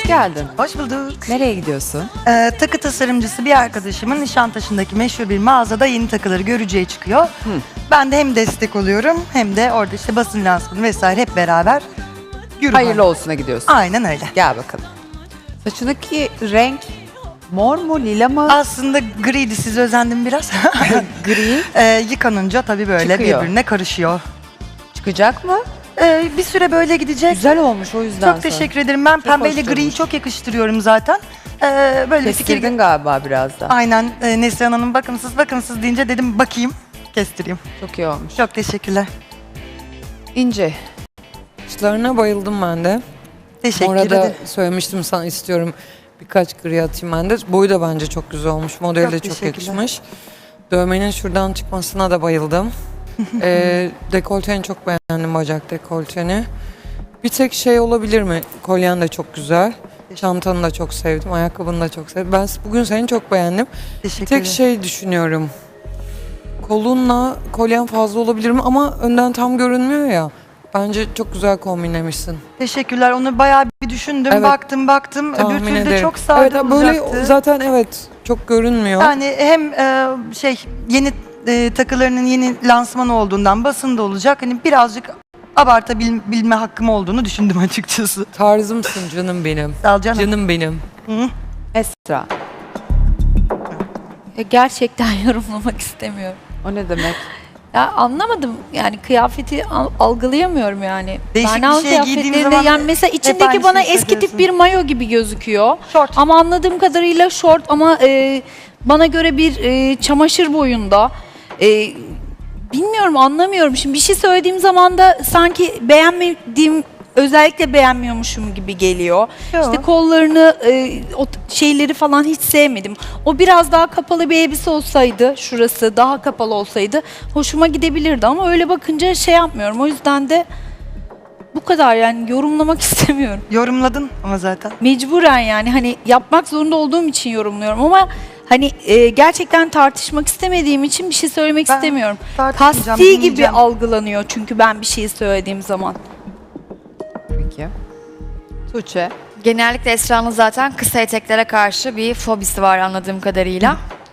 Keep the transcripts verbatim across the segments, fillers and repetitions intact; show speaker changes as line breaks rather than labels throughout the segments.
geldin.
Hoş bulduk.
Nereye gidiyorsun?
Ee, takı tasarımcısı bir arkadaşımın Nişantaşı'ndaki meşhur bir mağazada yeni takıları görücüye çıkıyor. Hı. Ben de hem destek oluyorum hem de orada işte basın lansmanı vesaire hep beraber yürü.
Hayırlı olsuna gidiyorsun.
Aynen öyle.
Gel bakalım. Saçındaki renk mor mu, lila mı?
Aslında griydi, size özendim biraz.
Gri.
ee, yıkanınca tabii böyle
Çıkıyor.
birbirine karışıyor.
Çıkacak mı?
Ee, bir süre böyle gidecek.
Güzel olmuş o yüzden.
Çok teşekkür ederim. Ben pembeyle griyi
durmuş.
çok yakıştırıyorum zaten. Ee, böyle bir fikir.
Kestirdin galiba biraz da.
Aynen. E, Neslihan Hanım bakımsız bakımsız deyince dedim bakayım, kestireyim.
Çok iyi olmuş.
Çok teşekkürler.
İnce.
Saçlarına bayıldım ben de.
Teşekkür
Orada
ederim.
söylemiştim sana istiyorum birkaç gri atayım ben de. Boyu da bence çok güzel olmuş. Modeli
Çok
de çok
teşekkürler.
yakışmış. Dövmenin şuradan çıkmasına da bayıldım. ee, dekolteni çok beğendim, bacak dekolteni. Bir tek şey olabilir mi? Kolyen de çok güzel. Çantanı da çok sevdim. Ayakkabını da çok sevdim. Ben bugün seni çok beğendim. Bir
Teşekkür
tek
ederim.
şey düşünüyorum. Kolunla kolyen fazla olabilir mi? Ama önden tam görünmüyor ya. Bence çok güzel kombinlemişsin.
Teşekkürler. Onu bayağı bir düşündüm.
Evet.
Baktım baktım. Öbür
Tahmin
türlü de
ederim.
çok sade
evet, böyle
olacaktı.
zaten evet çok görünmüyor.
Yani hem e, şey yeni e, takılarının yeni lansmanı olduğundan basında olacak. Hani birazcık abartabilme hakkım olduğunu düşündüm açıkçası.
Tarzımsın canım benim.
Sağ ol canım.
Canım benim.
Hı.
Esra.
Ya gerçekten yorumlamak istemiyorum.
O ne demek?
Ya anlamadım yani kıyafeti al- algılayamıyorum yani.
Değişik bir
Bernalı
şeye giydiğim
kıyafetlerinde
zaman
yani mesela
hep
içindeki
aynı
bana
şeyi
eski tip
söylüyorsun.
bir mayo gibi gözüküyor.
Şort.
Ama anladığım kadarıyla şort ama e, bana göre bir e, çamaşır boyunda. E, bilmiyorum, anlamıyorum. Şimdi bir şey söylediğim zaman da sanki beğenmediğim, özellikle beğenmiyormuşum gibi geliyor.
Yo.
İşte kollarını, e, o t- şeyleri falan hiç sevmedim. O biraz daha kapalı bir elbise olsaydı, şurası daha kapalı olsaydı hoşuma gidebilirdi ama öyle bakınca şey yapmıyorum. O yüzden de bu kadar, yani yorumlamak istemiyorum.
Yorumladın ama zaten.
Mecburen yani hani yapmak zorunda olduğum için yorumluyorum ama hani e, gerçekten tartışmak istemediğim için bir şey söylemek
Ben
istemiyorum.
tartışmayacağım,
Kasti gibi
dinleyeceğim.
algılanıyor çünkü ben bir şey söylediğim zaman.
Peki. Tuğçe.
Genellikle Esra'nın zaten kısa eteklere karşı bir fobisi var anladığım kadarıyla.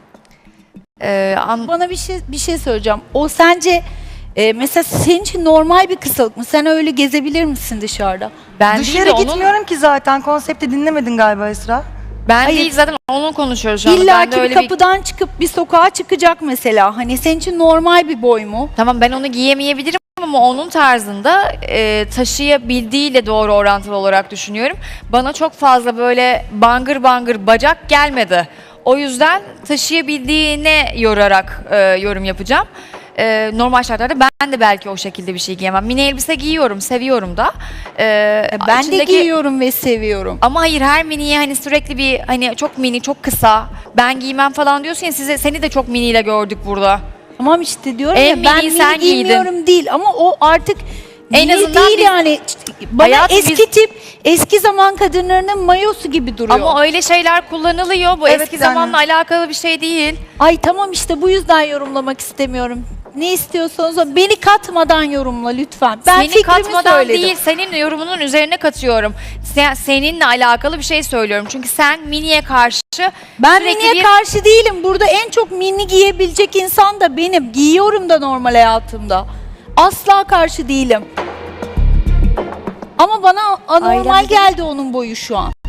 Ee, an-
Bana bir şey bir şey söyleyeceğim. O sence e, mesela senin için normal bir kısalık mı? Sen öyle gezebilir misin dışarıda?
ben değil
Dışarı
de onun,
gitmiyorum ki zaten. Konsepti dinlemedin galiba Esra.
ben
Hayır.
değil zaten onun konuşuyoruz şu anda.
İlla
Ben de
ki bir
öyle
kapıdan çıkıp bir sokağa çıkacak mesela. Hani senin için normal bir boy mu?
Tamam, ben onu giyemeyebilirim ama onun tarzında e, taşıyabildiğiyle doğru orantılı olarak düşünüyorum. Bana çok fazla böyle bangır bangır bacak gelmedi. O yüzden taşıyabildiğine yorarak e, yorum yapacağım. E, normal şartlarda ben de belki o şekilde bir şey giyemem. Mini elbise giyiyorum, seviyorum da. E,
E, Ben de
içindeki-
giyiyorum ve seviyorum.
Ama hayır, her miniye hani sürekli bir hani çok mini, çok kısa, ben giymem falan diyorsun ya, size seni de çok miniyle gördük burada.
Tamam işte diyorum
En
ya, ben
mini
mini
sen giydin.
giymiyorum değil ama o artık
En
mini
azından
değil
biz-
yani. Bana
Hayatım
eski
biz-
tip, eski zaman kadınlarının mayosu gibi duruyor.
Ama öyle şeyler kullanılıyor. Bu
Evet,
eski
yani-
zamanla alakalı bir şey değil.
Ay tamam işte bu yüzden yorumlamak istemiyorum. Ne istiyorsanız o. Beni katmadan yorumla lütfen. Ben
Seni
fikrimi
katmadan
söyledim.
değil, senin yorumunun üzerine katıyorum. Sen, seninle alakalı bir şey söylüyorum. Çünkü sen miniye karşı
Ben
sürekli
miniye
bir...
karşı değilim. Burada en çok mini giyebilecek insan da benim. Giyiyorum da normal hayatımda. Asla karşı değilim. Ama bana anormal
Ailemde-
geldi onun boyu şu an.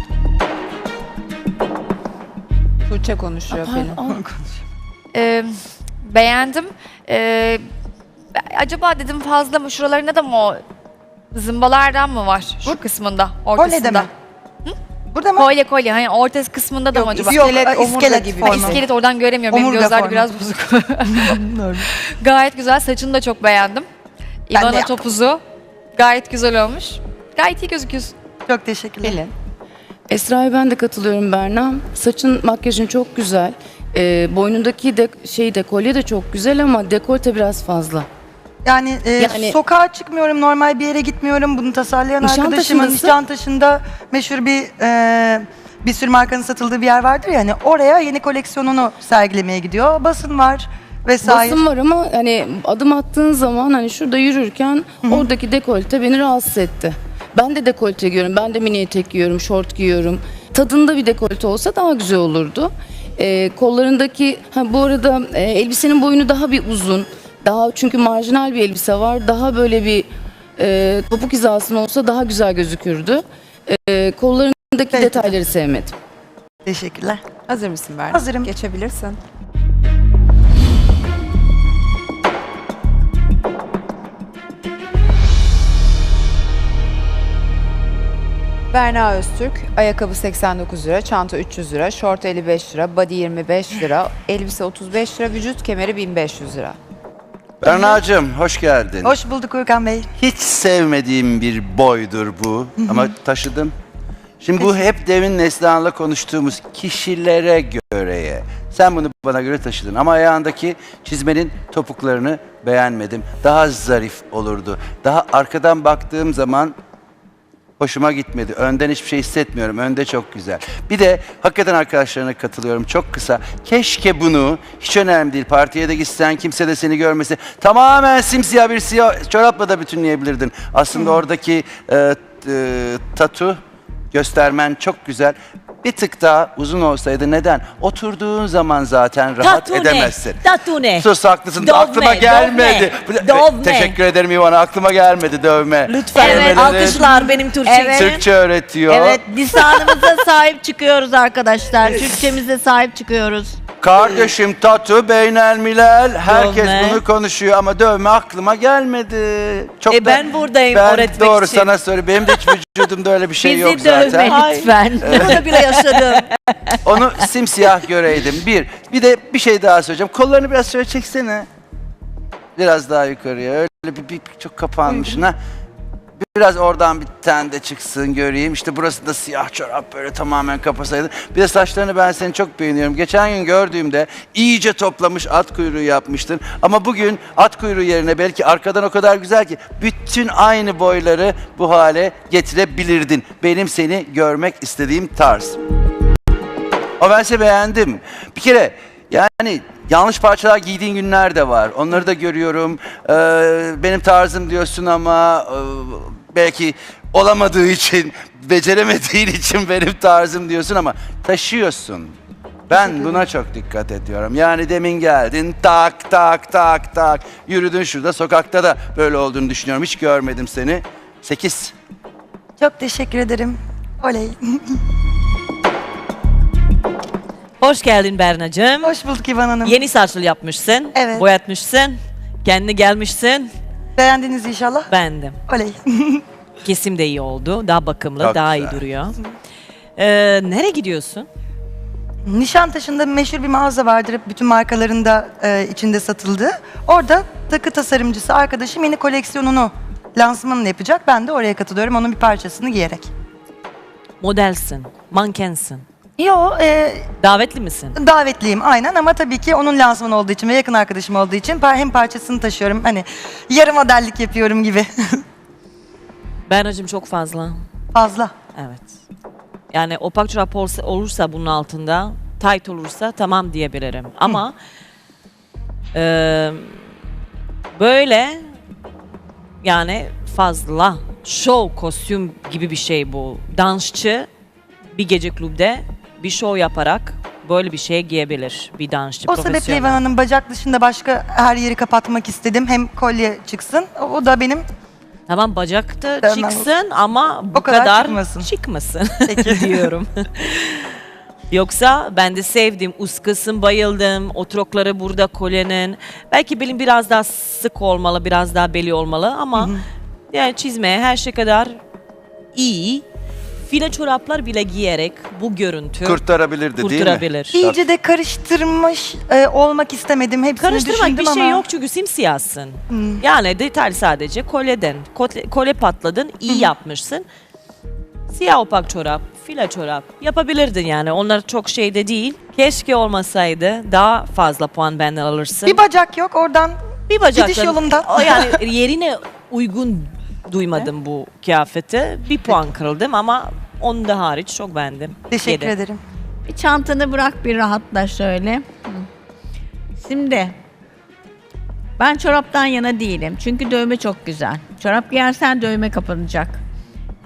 Tuğçe konuşuyor Pelin.
Ee, beğendim. Ee, acaba dedim fazla mı? Şuralarında da mı o zımbalardan mı var? Şu kısmında, ortasında.
Kolye deme. Burada mı?
Kolye kolye. Hani orta kısmında da mı acaba?
Yok,
İskelet, omurga
iskelet
gibi.
formu.
Ha, iskelet oradan göremiyorum. Benim
Omurga
gözler
formu.
biraz bozuk. Gayet güzel. Saçını da çok beğendim.
Ben de
İvana
yaptım.
topuzu. Gayet güzel olmuş. Gayet iyi gözüküyorsun.
Çok teşekkürler.
Pelin.
Esra'ya ben de katılıyorum Berna. Saçın, makyajın çok güzel. Ee, boynundaki de, şey dekolye de çok güzel ama dekolte biraz fazla.
Yani, e,
Yani-
sokağa çıkmıyorum, normal bir yere gitmiyorum. Bunu tasarlayan arkadaşımın
Nişantaşı'ndasın.
Nişantaşı'nda meşhur bir e, bir sürü markanın satıldığı bir yer vardır ya. Hani oraya yeni koleksiyonunu sergilemeye gidiyor. Basın var vesaire.
Basın var ama hani adım attığın zaman hani şurada yürürken oradaki dekolte beni rahatsız etti. Ben de dekolte giyiyorum. Ben de mini etek giyiyorum, şort giyiyorum. Tadında bir dekolte olsa daha güzel olurdu. Ee, kollarındaki, ha bu arada e, elbisenin boyunu daha bir uzun. Daha çünkü marjinal bir elbise var. Daha böyle bir e, topuk hizasında olsa daha güzel gözükürdü. E, kollarındaki
Peki.
detayları sevmedim.
Teşekkürler.
Hazır mısın Berna?
Hazırım.
Geçebilirsin. Berna Öztürk, ayakkabı seksen dokuz lira, çanta üç yüz lira, şort elli beş lira, body yirmi beş lira, elbise otuz beş lira, vücut kemeri bin beş yüz lira.
Berna'cığım hoş geldin.
Hoş bulduk Urkan Bey.
Hiç sevmediğim bir boydur bu ama taşıdım. Şimdi bu hep demin Neslihan'la konuştuğumuz kişilere göreye. Sen bunu bana göre taşıdın ama ayağındaki çizmenin topuklarını beğenmedim. Daha zarif olurdu. Daha arkadan baktığım zaman hoşuma gitmedi. Önden hiçbir şey hissetmiyorum. Önde çok güzel. Bir de hakikaten arkadaşlarına katılıyorum. Çok kısa. Keşke bunu, hiç önemli değil, partiye de gitsen, kimse de seni görmese, tamamen simsiyah bir siyah çorapla da bütünleyebilirdin. Aslında oradaki e, e, tatu göstermen çok güzel. Bir tık daha uzun olsaydı neden? Oturduğun zaman zaten rahat
Tatu ne?
edemezsin.
Tatu ne?
Sus haklısın.
Dövme,
aklıma gelmedi.
dövme, dövme.
Teşekkür ederim İvana. Aklıma gelmedi dövme.
Lütfen
Dövmelerin
alkışlar benim Türkçe
Evet.
için.
Türkçe öğretiyor.
Evet, lisanımıza sahip çıkıyoruz arkadaşlar. Türkçemize sahip çıkıyoruz.
Kardeşim tatu, beynel milel, herkes
Dövme.
bunu konuşuyor ama dövme aklıma gelmedi. Çok
E ben buradayım
ben
öğretmek
doğru
için.
sana söyle. Benim de hiç vücudumda öyle bir şey
Bizi
yok
dövme
zaten.
lütfen.
Bunu bile yaşadım.
Onu simsiyah göreydim. Bir. Bir de bir şey daha söyleyeceğim. Kollarını biraz şöyle çeksene. Biraz daha yukarıya. Öyle bir, bir, bir çok kapanmışsın ha. Biraz oradan bir tane de çıksın göreyim. İşte burası da siyah çorap böyle tamamen kapasaydı. Bir de saçlarını ben seni çok beğeniyorum. Geçen gün gördüğümde iyice toplamış at kuyruğu yapmıştın. Ama bugün at kuyruğu yerine belki arkadan o kadar güzel ki bütün aynı boyları bu hale getirebilirdin. Benim seni görmek istediğim tarz. Ama ben seni beğendim. Bir kere yani yanlış parçalar giydiğin günler de var. Onları da görüyorum. Ee, benim tarzım diyorsun ama e, belki olamadığı için, beceremediğin için benim tarzım diyorsun ama taşıyorsun. Ben buna çok dikkat ediyorum. Yani demin geldin tak tak tak tak yürüdün şurada sokakta da böyle olduğunu düşünüyorum. Hiç görmedim seni. Sekiz.
Çok teşekkür ederim. Oley.
Hoş geldin Berna'cığım.
Hoş bulduk İvan Hanım.
Yeni saçlı yapmışsın.
Evet.
Boyatmışsın. Kendine gelmişsin.
Beğendiniz inşallah.
Beğendim.
Oley.
Kesim de iyi oldu. Daha bakımlı,
Çok
daha
güzel.
iyi duruyor. Ee, nereye gidiyorsun?
Nişantaşı'nda meşhur bir mağaza vardır. Hep bütün markalarında e, içinde satıldığı. Orada takı tasarımcısı arkadaşım yeni koleksiyonunu lansmanını yapacak. Ben de oraya katılıyorum onun bir parçasını giyerek.
Modelsin, mankensin.
Yo, e,
Davetli misin?
davetliyim aynen ama tabii ki onun lansmanı olduğu için ve yakın arkadaşım olduğu için par- hem parçasını taşıyorum. Hani yarı modellik yapıyorum gibi.
Berna'cığım çok fazla.
Fazla.
Evet. Yani opak çorap olsa, olursa bunun altında, tight olursa tamam diyebilirim. Ama eee, böyle yani fazla show kostüm gibi bir şey bu. Dansçı bir gece klubde bir show yaparak böyle bir şey giyebilir bir dansçı.
O sebeple
profesyonel.
İvan Hanım bacak dışında başka her yeri kapatmak istedim. Hem kolye çıksın. O, o da benim
Tamam bacakta
Dövmem
çıksın ama bu
O kadar
kadar,
çıkmasın.
çıkmasın
Peki.
diyorum. Yoksa ben de sevdim, uskasın, bayıldım. Otrokları burada kolyenin. Belki belim biraz daha sık olmalı, biraz daha beli olmalı ama yani çizmeye her şey kadar iyi. File çoraplar bile giyerek bu görüntü
Kurtarabilirdi değil mi?
kurtarabilir.
iyice de karıştırmış e, olmak istemedim. Hepsini
Karıştırmak
düşündüm
bir şey
ama.
yok çünkü simsiyahsın. Yani detay sadece kolyeden. Kolye, kolye patladın, iyi yapmışsın. Siyah opak çorap, file çorap yapabilirdin yani. Onlar çok şeyde değil. Keşke olmasaydı daha fazla puan benden alırsın.
Bir bacak yok oradan.
Bir bacakla-
gidiş yolunda.
O yani yerine uygun duymadım bu kıyafeti. Bir puan kırıldım ama onu da hariç çok beğendim.
Teşekkür
Yedi.
ederim.
Bir çantanı bırak bir rahatla şöyle. Hı. Şimdi ben çoraptan yana değilim. Çünkü dövme çok güzel. Çorap giyersen dövme kapanacak.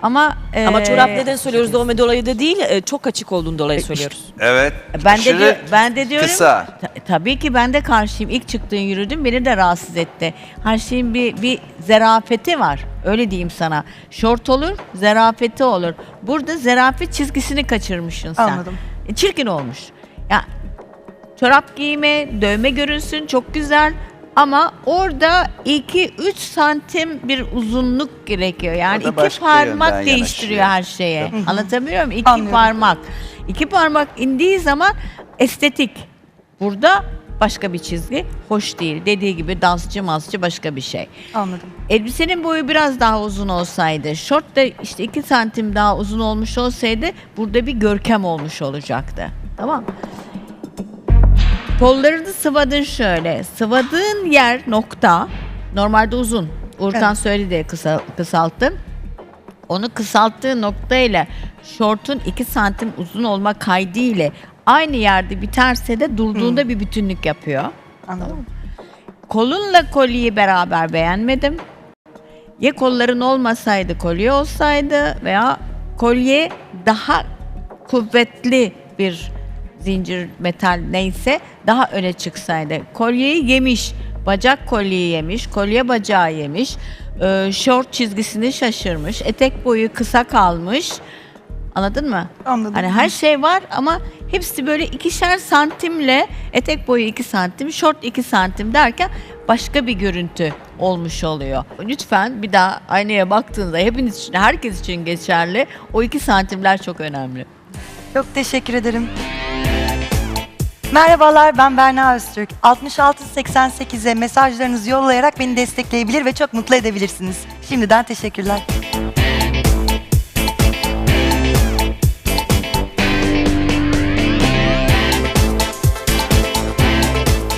Ama e,
Ama çorap neden söylüyoruz? Doğum dolayı da değil, e, çok açık olduğun dolayı söylüyoruz.
Evet.
ben de
aşırı
diyor- ben de diyorum
Kısa.
ta- tabii ki ben de karşıyım. İlk çıktığın yürüdüm beni de rahatsız etti. Her şeyin bir bir zerafeti var. Öyle diyeyim sana. Şort olur, zerafeti olur. Burada zerafet çizgisini kaçırmışsın sen.
Anladım.
E, çirkin olmuş. Ya çorap giyme, dövme görünsün çok güzel. Ama orada iki üç santim bir uzunluk gerekiyor. Yani
O da
iki
başka
parmak
yönden
değiştiriyor
yanaşıyor.
her şeye. Anlatabiliyor muyum? İki
Anlıyorum.
parmak. İki parmak indiği zaman estetik. Burada başka bir çizgi. Hoş değil. Dediği gibi dansçı masçı başka bir şey.
Anladım.
Elbisenin boyu biraz daha uzun olsaydı, şort da işte iki santim daha uzun olmuş olsaydı burada bir görkem olmuş olacaktı. Tamam. Kollarını sıvadın şöyle. Sıvadığın yer nokta. Normalde uzun. Urkan
Evet.
söyledi kısa, kısalttın. Onu kısalttığı noktayla şortun iki santim uzun olma kaydı ile aynı yerde biterse de durduğunda bir bütünlük yapıyor.
Anladım.
Kolunla kolyeyi beraber beğenmedim. Ya kolların olmasaydı kolye olsaydı veya kolye daha kuvvetli bir zincir metal neyse daha öne çıksaydı. Kolyeyi yemiş, bacak kolyeyi yemiş, kolye bacağı yemiş, e, şort çizgisini şaşırmış, etek boyu kısa kalmış. Anladın mı?
Anladım.
Hani her şey var ama hepsi böyle ikişer santimle etek boyu iki santim, şort iki santim derken başka bir görüntü olmuş oluyor. Lütfen bir daha aynaya baktığınızda hepiniz için, herkes için geçerli. O iki santimler çok önemli.
Çok teşekkür ederim. Merhabalar, ben Berna Öztürk. altmış altı seksen sekize mesajlarınızı yollayarak beni destekleyebilir ve çok mutlu edebilirsiniz. Şimdiden teşekkürler.